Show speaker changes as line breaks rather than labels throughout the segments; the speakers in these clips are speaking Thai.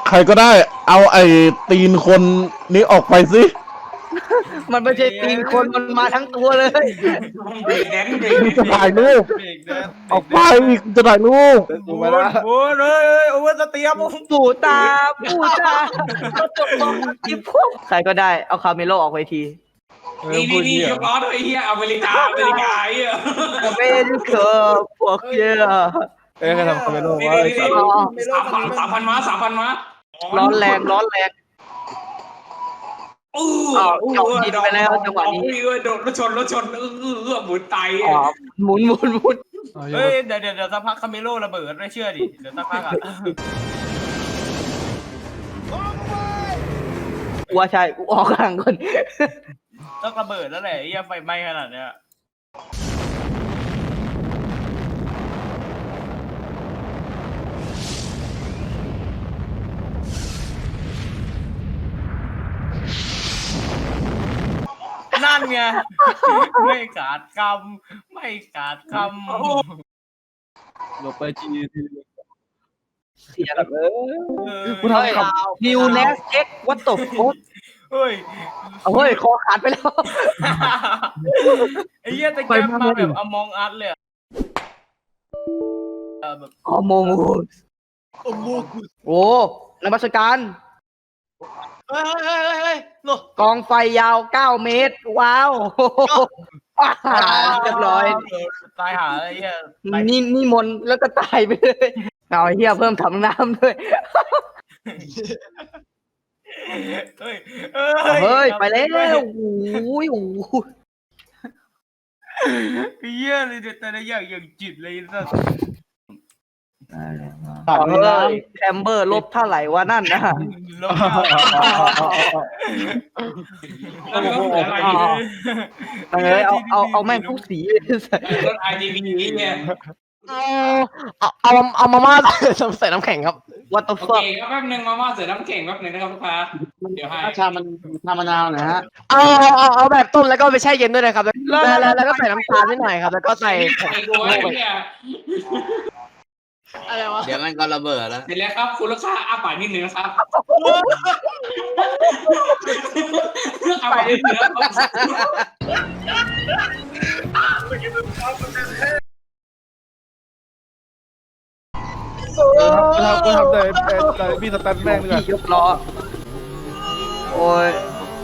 ใครก็ได้ เอาไอ้ตีนคนนี้ออกไปสิ
มันไม่ใช่ตีนคนมันมาทั้งตัวเลย
เบรกแดนเบรก
จะถ่ายรูป
เบรกแดน
ออกไปจะถ่ายรูป
โอ้ยโอ้ยเลยโอ้ยสเตียม
ปู่ตาจบตรงที่พวกใครก็ได้เอาคาเมโลออกไปที
นี่ยกล้อด้วยเฮียอเมริกาไอ้เหี้ย
ไม่ได้เกิดพวกเยอะ
ใครทำคาเมโลวะ
นี่3,000 ม้าม้า
ร้อนแรงโดดรถชนหมุนไตหมุน
เฮ้ยเดี๋ยวสักพักคาเมโลระเบิดไม่เชื่อดิเดี๋ยวสักพักอ่ะ
ว่าใช่กูออกห่างคน
ต้องระเบิดแล้วแหละไอ้ไฟไหม้ขนาดเนี้ยนั่นไงไม่ขาดคำ
ลงไปจี
เสียแบบ
กูทำ
นิวเนสเช็ควัตถุโคตร
เฮ้ย
เฮ้ยคอขาดไปแล้ว
ไอ้เหี้ยตะแกรงมาแบบอมองอัดเลยแบบ
อโมงูโอ้นมัสการกองไฟยาว9 เมตรว้าวเรียบร้อย
ตายหาไอ้เหี้ย
นี่มนแล้วก็ตายไปเลยเอาไอ้เหี้ยเพิ่มถังน้ำด้วย
เฮ้ย
เฮ้ยไปแล้วโอ้ย
เหี้ยเลยเดี๋ยวแต่ละอย่างจิตเลยสัส
แคมเบอร์ลบเท่าไหร่วะนั่นนะ
ลบ
เอาแม่งทุกสีเลย
รถ RGB เนี่ย
เอามาม่าใส่น้ำแข็งครับ
วัตถุ
โอ
ฟั
เค
ก
ก็แป๊บนึงมาม่าเสือน้ำแข็งแป๊บนึงนะครับลูกค้าเดี๋ยวให้
ชามันชามะนาวนะฮะเอาแบบต้มแล้วก็ไปแช่เย็นด้วยนะครับแล้วก็ใส่น้ำตาลนิดหน่อยครับแล้วก็ใส่
ไอ้ตัวเนี่ย
อะไรวะ
เดี๋ยวมันก็ระเบิดแล้ว
เสร็จแล้วครับคุณลูกค้าอ้าปากนิดนึงนะครับอ้าปากนิดนึงนะครับ
กูทำแต่พี่สแตนแม่งดีกว่า
ยกล้อโอ้ย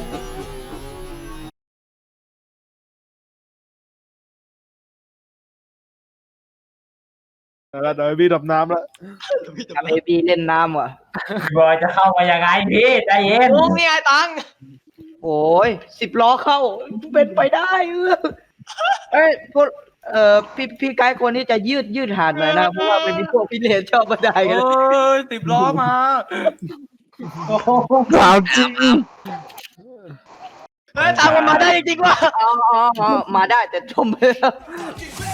แล้วเดี๋ยวพี่ดับน้ำแล้ว
ทำเอบีเล่นน้ำว่ะ
บอยจะเข้ามายังไงพี่ใจเย็น
โอ้นี่ไงตัง
โอ้ย10 ล้อเข้าเป็นไปได้เอ้ยพวกพี่ไกด์คนนี้จะยืดหาดหน่อยนะเพราะว่าเป็นพวกพี่เลนชอบมาได้กัน
เอ้ย10 ล้อมา
ถามจริง
เฮ้ยตังมันมาได้จริงๆว่ะ
อ๋อมาได้แต่จมไปแล้ว
Get back!